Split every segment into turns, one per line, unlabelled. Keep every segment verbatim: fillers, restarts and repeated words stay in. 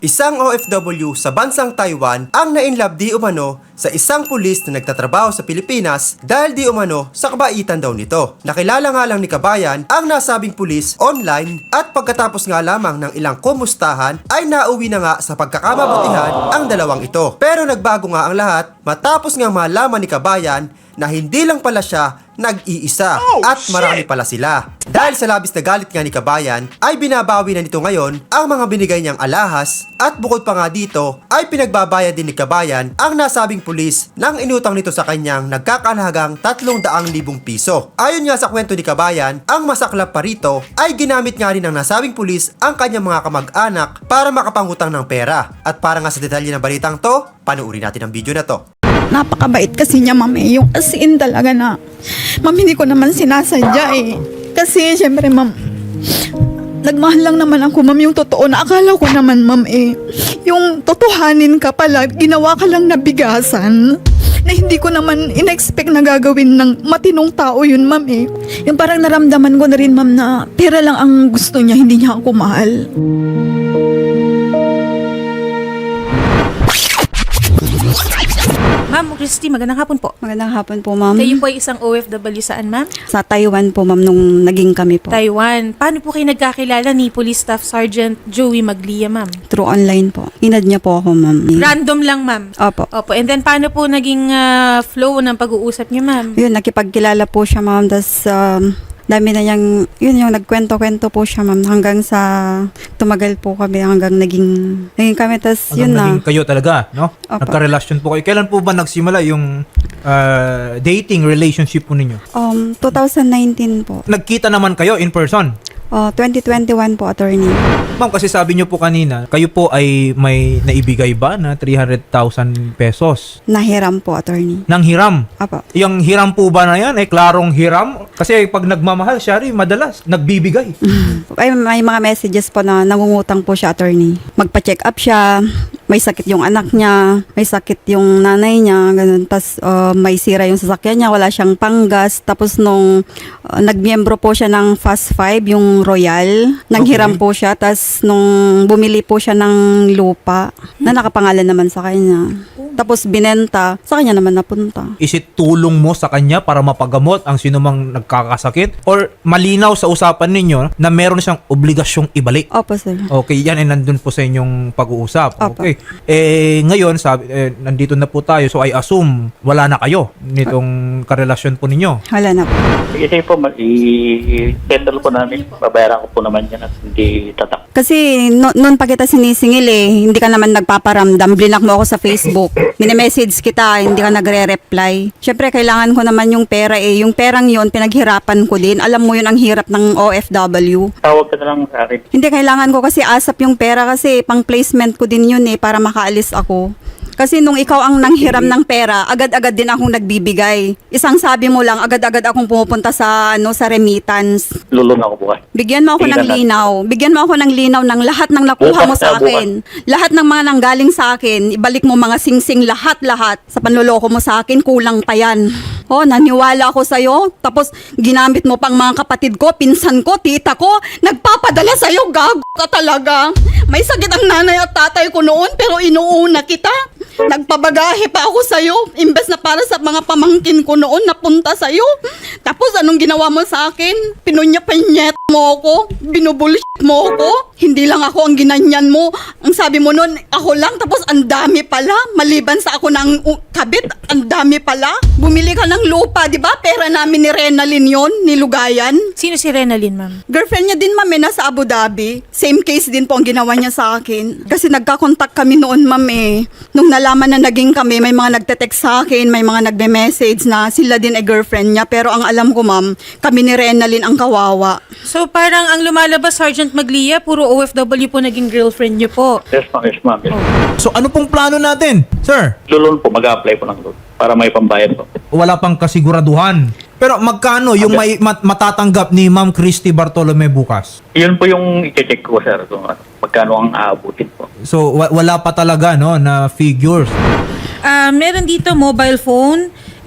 Isang O F W sa bansang Taiwan ang nainlove di umano sa isang pulis na nagtatrabaho sa Pilipinas dahil di umano sa kabaitan daw nito. Nakilala nga lang ni Kabayan ang nasabing pulis online at pagkatapos nga lamang ng ilang kumustahan ay nauwi na nga sa pagkakamabutihan ang dalawang ito. Pero nagbago nga ang lahat matapos nga malaman ni Kabayan na hindi lang pala siya nag-iisa at marami pala sila. Dahil sa labis na galit nga ni Kabayan ay binabawi na nito ngayon ang mga binigay niyang alahas at bukod pa nga dito ay pinagbabayad din ni Kabayan ang nasabing pulis nang inutang nito sa kanyang nagkakalahagang tatlong daang libong piso. Ayon nga sa kwento ni Kabayan, ang masaklap pa rito ay ginamit nga rin ng nasabing pulis ang kanyang mga kamag-anak para makapangutang ng pera. At para nga sa detalye ng balitang to, panuuri natin ang video na to.
Napakabait kasi niya, ma'am, eh. Yung as in talaga na, ma'am, hindi ko naman sinasadya eh. Kasi, syempre, ma'am, nagmahal lang naman ako, ma'am, yung totoo na akala ko naman, ma'am, eh. Yung totohanin ka pala, ginawa ka lang na bigasan. Na hindi ko naman in-expect na gagawin ng matinong tao yun, ma'am, eh. Yung parang naramdaman ko na rin, ma'am, na pera lang ang gusto niya, hindi niya ako mahal.
Ma'am Christy, magandang hapon po.
Magandang hapon po, ma'am.
Kayo po ay isang O F W saan, ma'am?
Sa Taiwan po, ma'am, nung naging kami po.
Taiwan. Paano po kayo nagkakilala ni Police Staff Sergeant Joey Maglia, ma'am?
Through online po. Inad niya po ako, ma'am.
Random lang, ma'am?
Opo.
Opo. And then, paano po naging ah, flow ng pag-uusap niyo, ma'am?
Yun, nakipagkilala po siya, ma'am. Tapos, um, dami na niyang, yun yung nagkwento-kwento po siya, ma'am. Hanggang sa tumagal po kami, hanggang naging, naging kami. Tapos, yun
Hanggang
na.
naging kayo talaga, no?
Opo.
Nagka-relasyon po kayo. Kailan po ba nagsimula yung ah, dating relationship po ninyo?
Um, twenty nineteen po.
Nagkita naman kayo in person?
Uh, twenty twenty-one po, attorney.
Ma'am, kasi sabi niyo po kanina, kayo po ay may naibigay ba na three hundred thousand pesos?
Nahiram po, attorney.
Nang hiram.
Apo.
Yung hiram po ba na yan, eh, klarong hiram? Kasi pag nagmamahal siya rin, madalas, nagbibigay.
Ay, may mga messages po na nangungutang po siya, attorney. Magpa-check up siya, may sakit yung anak niya, may sakit yung nanay niya, ganun. Tapos uh, may sira yung sasakyan niya, wala siyang panggas. Tapos nung uh, nagmiyembro po siya ng Fast Five, yung Royal, nanghiram
Okay.
po siya. Tapos nung bumili po siya ng lupa, na nakapangalan naman sa kanya. Tapos binenta, sa kanya naman napunta.
Is it tulong mo sa kanya para mapagamot ang sinumang nagkakasakit? Or malinaw sa usapan ninyo na meron siyang obligasyong ibalik?
Opo, sir.
Okay, yan ay nandun po sa inyong pag-uusap.
Opo.
Okay. Eh, ngayon, sabi, eh, nandito na po tayo. So, I assume, wala na kayo nitong karelasyon po ninyo.
Wala na po.
Kasi po, ma- i-settle po namin. Babayaran ko po naman yan at hindi tatak.
Kasi no, noon pa kita sinisingil eh, hindi ka naman nagpaparamdam. Blinak mo ako sa Facebook. Mini-message kita, hindi ka nagre-reply. Syempre, kailangan ko naman yung pera eh. Yung perang yon pinaghirapan ko din. Alam mo yun ang hirap ng O F W.
Tawag ka na lang sa akin.
Hindi, kailangan ko kasi asap yung pera kasi pang placement ko din yun eh para makaalis ako. Kasi nung ikaw ang nanghiram ng pera, agad-agad din akong nagbibigay. Isang sabi mo lang, agad-agad akong pumupunta sa ano sa remittance.
Lulong ako bukas.
Bigyan mo ako
Tingnan
ng
natin.
linaw. Bigyan mo ako ng linaw ng lahat ng nakuha
Bukas
mo sa
na,
akin. Lahat ng mga nanggaling sa akin, ibalik mo mga singsing lahat-lahat. Sa panloloko mo sa akin, kulang pa yan. Oh, naniwala ako sa'yo. Tapos ginamit mo pang mga kapatid ko, pinsan ko, tita ko. Nagpapadala sa'yo, gago ka talaga. May sakit ang nanay at tatay ko noon, pero inuuna kita. Nagpabagahe pa ako sa'yo. Imbes na para sa mga pamangkin ko noon, napunta sa'yo. Tapos anong ginawa mo sa akin? Pinunya-pinyet mo ako. Binubullshit mo ako. Hindi lang ako ang ginanyan mo. Ang sabi mo noon, ako lang. Tapos ang dami pala. Maliban sa ako ng uh, kabit, ang dami pala. Bumili ka ng lupa, di ba? Pera namin ni Renalyn yon, ni Lugayan.
Sino si Renalyn, ma'am?
Girlfriend niya din, ma'am, eh, nasa Abu Dhabi. Same case din po ang ginawa niya sa akin. Kasi nagka-contact kami noon, ma'am, eh. Nung nalaman na naging kami, may mga nagte-text sa akin, may mga nagbe-message na sila din ay girlfriend niya. Pero ang alam ko, ma'am, kami ni Renalyn ang kawawa.
So, parang ang lumalabas, Sergeant Maglia, puro O F W po naging girlfriend niyo po.
Yes, ma'am. Yes, ma'am. Yes.
So, ano pong plano natin, sir?
Lulong po, mag-apply po ng loan para may pambayad po.
Wala pang kasiguraduhan. Pero magkano yung may mat- matatanggap ni Ma'am Christy Bartolome bukas?
Yun po yung i-check ko, sir. Kung ano, magkano ang aabutin po.
So, wa- wala pa talaga, no, na figures.
Ah, meron dito mobile phone,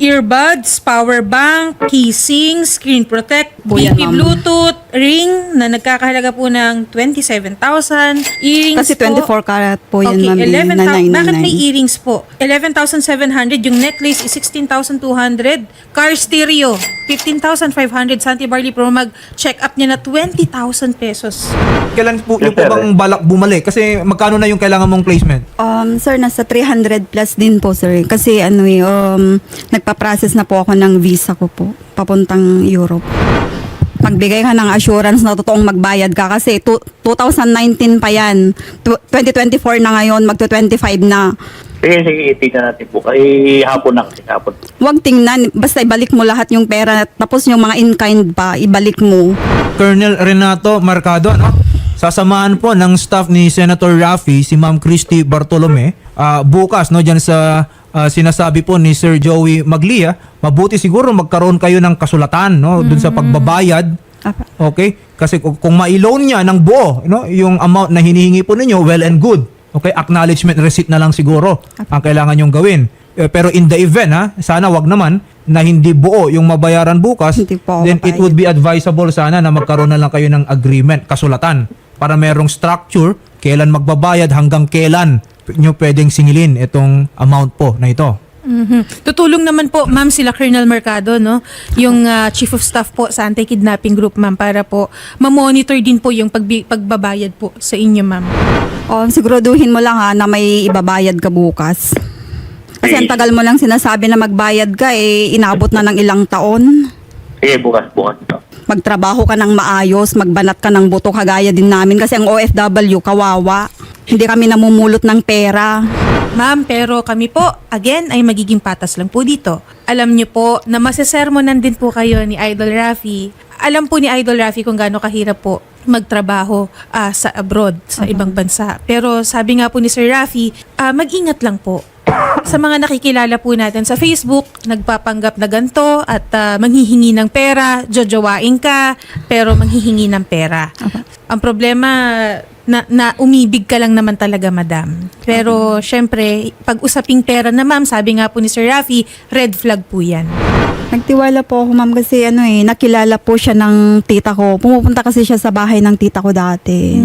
earbuds, power bank, casing, screen protect,
Po yan,
B P
ma'am.
Bluetooth, ring na nagkakahalaga po ng twenty-seven thousand, earrings
Kasi
po.
twenty-four karat po yan,
Okay,
ma'am. eh,
eleven
na
thousand.
nine
Bakit may
nine nine.
earrings po? eleven thousand seven hundred. Yung necklace is sixteen thousand two hundred. Car stereo, fifteen thousand five hundred. Santi Barley Pro mag-check up niya na twenty thousand pesos.
Kailan po
Yes,
yung po
sir.
bang balak bumalik? Kasi magkano na yung kailangan mong placement?
Um, sir, nasa three hundred plus din po, sir. Kasi ano eh, um, nagpa-process na po ako ng visa ko po, papuntang Europe. Magbigay ka ng assurance na totoong magbayad ka kasi tu- twenty nineteen pa yan. Tu- twenty twenty-four na ngayon, magto twenty-five na.
Sige, sige, tingnan natin po. Ay, hapon na kasi, hapon.
Huwag tingnan, basta ibalik mo lahat yung pera, tapos yung mga in-kind pa, ibalik mo.
Colonel Renato Mercado, ano? Sasamahan po ng staff ni Senator Raffy si Ma'am Christy Bartolome ah, bukas no diyan sa ah, sinasabi po ni Sir Joey Maglia. Mabuti siguro magkaroon kayo ng kasulatan no dun sa pagbabayad.
Apa.
Okay? Kasi kung, kung ma-loan niya ng buo, no, yung amount na hinihingi po ninyo, well and good. Okay, acknowledgement receipt na lang siguro ang kailangan yung gawin. Eh, Pero in the event, ha, sana wag naman na hindi buo yung mabayaran bukas,
Hindi po ako
then it
papayag.
would be advisable sana na magkaroon na lang kayo ng agreement, kasulatan, para merong structure, kailan magbabayad, hanggang kailan nyo pwedeng singilin itong amount po na ito.
Mhm. Tutulong naman po, ma'am, sila Colonel Mercado, no? Yung ah, Chief of Staff po sa Anti-Kidnapping Group, ma'am, para po ma-monitor din po yung pagbi- pagbabayad po sa inyo, ma'am.
Um, siguraduhin mo lang ha na may ibabayad ka bukas. Kasi ang tagal mo lang sinasabi na magbayad ka, eh, inabot na ng ilang taon.
Sige, bukas, bukas.
Magtrabaho ka ng maayos, magbanat ka ng buto kagaya din namin kasi ang O F W kawawa. Hindi kami namumulot ng pera.
Ma'am, pero kami po, again, ay magiging patas lang po dito. Alam niyo po na masesermonan din po kayo ni Idol Raffy. Alam po ni Idol Raffy kung gaano kahirap po magtrabaho ah, sa abroad, sa ibang bansa. Pero sabi nga po ni Sir Raffy, ah, mag-ingat lang po. Sa mga nakikilala po natin sa Facebook, nagpapanggap na ganto at ah, manghihingi ng pera, jojowain ka, pero manghihingi ng pera. Ang problema, na, na umibig ka lang naman talaga, madam. Pero syempre, pag usaping pera na, ma'am, sabi nga po ni Sir Raffy, red flag po yan.
Nagtiwala po ako, ma'am, kasi ano eh, nakilala po siya ng tita ko. Pumupunta kasi siya sa bahay ng tita ko dati.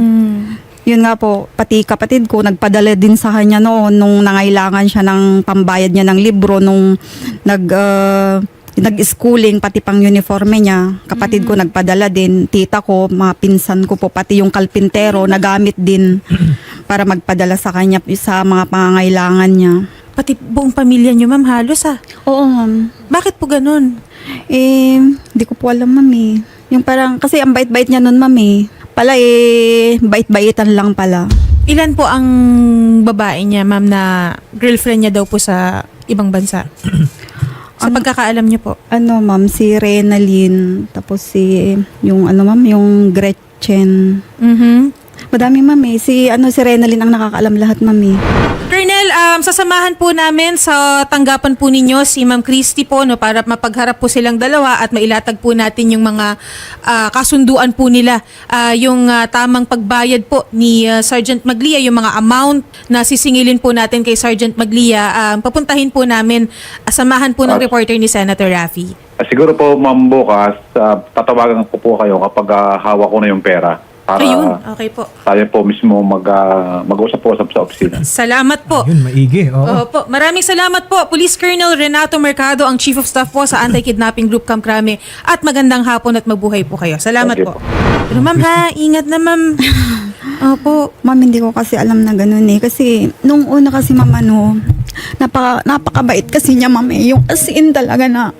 Yun nga po, pati kapatid ko, nagpadala din sa kanya noon nung nangailangan siya ng pambayad niya ng libro, nung nag, uh, nag-schooling, pati pang uniforme niya. Kapatid ko nagpadala din, tita ko, mga pinsan ko po, pati yung kalpintero, nagamit din para magpadala sa kanya sa mga pangangailangan niya.
Pati buong pamilya niyo, ma'am, halos ah.
Oo, ma'am.
Bakit po ganun?
Eh, hindi ko po alam, ma'am eh. Yung parang, kasi ang bait-bait niya nun, ma'am eh. Pala eh, bait-baitan lang pala.
Ilan po ang babae niya, ma'am, na girlfriend niya daw po sa ibang bansa? Sa
Ang-
pagkakaalam niyo po.
Ano, ma'am, si Renalyn, tapos si, yung ano, ma'am, yung Gretchen.
Mhm.
Madami, ma'am eh. Si, ano, si Renalyn ang nakakaalam lahat, ma'am eh.
Colonel, um, sasamahan po namin sa tanggapan po ninyo si Ma'am Christy po, no, para mapagharap po silang dalawa at mailatag po natin yung mga ah, kasunduan po nila. Ah, yung ah, tamang pagbayad po ni ah, Sergeant Maglia, yung mga amount na sisingilin po natin kay Sergeant Maglia, ah, papuntahin po namin, ah, samahan po ng
Ah.
reporter ni Senator Raffy.
Ah, siguro po, ma'am, bukas, ah, tatawagan ko po kayo kapag ah, hawak ko na yung pera. Para
Ayun, okay po.
tayo po mismo mag, ah, mag-usap-usap sa opisina.
Salamat po.
Yun, maigi. Oo.
Opo. Maraming salamat po, Police Colonel Renato Mercado, ang Chief of Staff po sa Anti-Kidnapping Group Camp Crame. At magandang hapon at mabuhay po kayo. Salamat
Okay
po.
po.
Pero ma'am ha, ingat na ma'am. Opo.
Ma'am, hindi ko kasi alam na ganun eh. Kasi, nung una kasi, ma'am, ano, napaka, napakabait kasi niya, ma'am eh. Yung as in talaga na,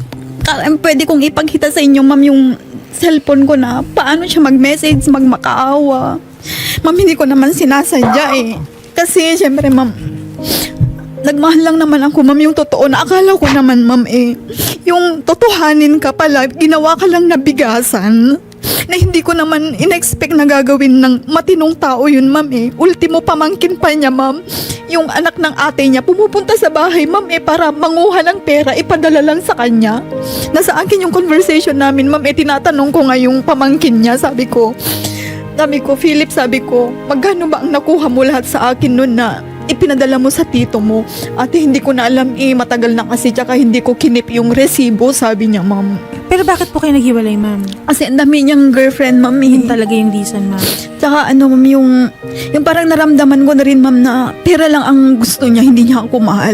pwede kong ipagkita sa inyo, ma'am, yung cellphone ko na paano siya mag-message, magmakaawa. Ma'am, hindi ko naman sinasadya eh. Kasi, syempre, ma'am, nagmahal lang naman ako, ma'am, yung totoo na akala ko naman, ma'am, eh, yung totohanin ka pala, ginawa ka lang na bigasan, na hindi ko naman in-expect na gagawin ng matinong tao yun, ma'am, eh. Ultimo, pamangkin pa niya, ma'am, yung anak ng ate niya, pumupunta sa bahay, ma'am, eh, para manguha ng pera, ipadala lang sa kanya. Nasa akin yung conversation namin, ma'am, eh, tinatanong ko nga yung pamangkin niya, sabi ko, sabi ko, Philip, sabi ko, magkano ba ang nakuha mo lahat sa akin nun na
ipinadala mo sa tito mo. Ate, hindi ko na alam eh, matagal na kasi, tsaka hindi ko kinip yung resibo, sabi niya, ma'am.
Pero bakit po kayo naghiwalay, ma'am?
Kasi ang dami niyang girlfriend, ma'am. eh.
Yun talaga yung reason, ma'am.
Tsaka ano, ma'am, yung, yung parang naramdaman ko na rin, ma'am, na pera lang ang gusto niya, hindi niya ako mahal.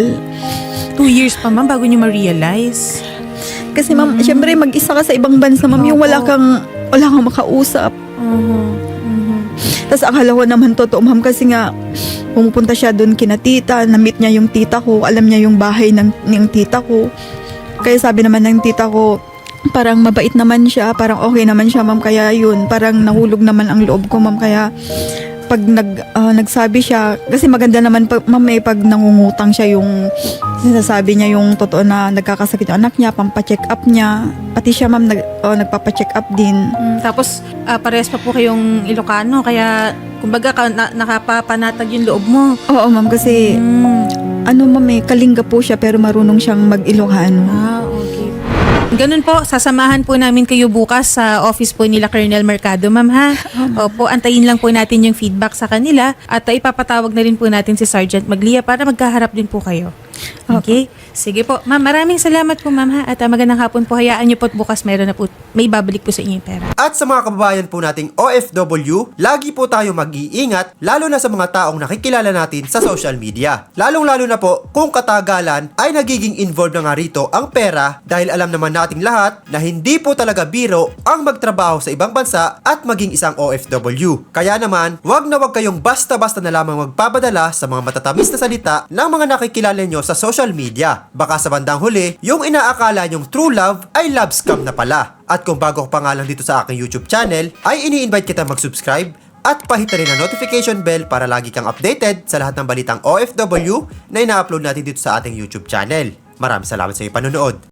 Two years pa, ma'am, bago niyo ma-realize.
Kasi, ma'am, syempre, mag-isa ka sa ibang bansa, ma'am, yung wala
Opo.
kang, wala kang makausap.
Oo. Mhm.
Tapos akala ko naman totoo, ma'am, kasi nga, pumupunta siya doon kina tita, na-meet niya yung tita ko, alam niya yung bahay ng, ng tita ko. Kaya sabi naman ng tita ko, parang mabait naman siya, parang okay naman siya, ma'am, kaya yun, parang nahulog naman ang loob ko, ma'am, kaya pag nag, ah, nagsabi siya, kasi maganda naman, pag, ma'am, eh, pag nangungutang siya yung, sinasabi niya yung totoo na nagkakasakit yung anak niya, pampacheck up niya, pati siya, ma'am, nag, oh, nagpapacheck up din.
Mm, tapos, ah, parehas pa po kayong Ilocano, kaya, kumbaga, ka, na, nakapapanatag yung loob mo.
Oo, ma'am, kasi,
Mm.
ano, ma'am, eh, Kalinga po siya, pero marunong siyang mag-Ilocano.
Ah, okay. Ganun po, sasamahan po namin kayo bukas sa office po nila Colonel Mercado, ma'am, ha? Opo, antayin lang po natin yung feedback sa kanila at uh, ipapatawag na rin po natin si Sergeant Maglia para magkaharap din po kayo. Okay? Sige po. Ma'am, maraming salamat po, ma'am, ha? At uh, magandang hapon po. Hayaan niyo po at bukas meron na po, may babalik po sa inyo yung pera.
At sa mga kababayan po nating O F W, lagi po tayo mag-iingat, lalo na sa mga taong nakikilala natin sa social media. Lalong-lalo na po kung katagalan ay nagiging involved na nga rito ang pera dahil alam naman nating lahat na hindi po talaga biro ang magtrabaho sa ibang bansa at maging isang O F W. Kaya naman, wag na wag kayong basta-basta na lamang magpapadala sa mga matatamis na salita ng mga nakikilala nyo sa social media. Baka sa bandang huli, yung inaakala nyong true love ay love scam na pala. At kung bago ka pa nga lang dito sa aking YouTube channel, ay ini-invite kita mag-subscribe at pahita rin ang notification bell para lagi kang updated sa lahat ng balitang O F W na ina-upload natin dito sa ating YouTube channel. Maraming salamat sa iyong panonood.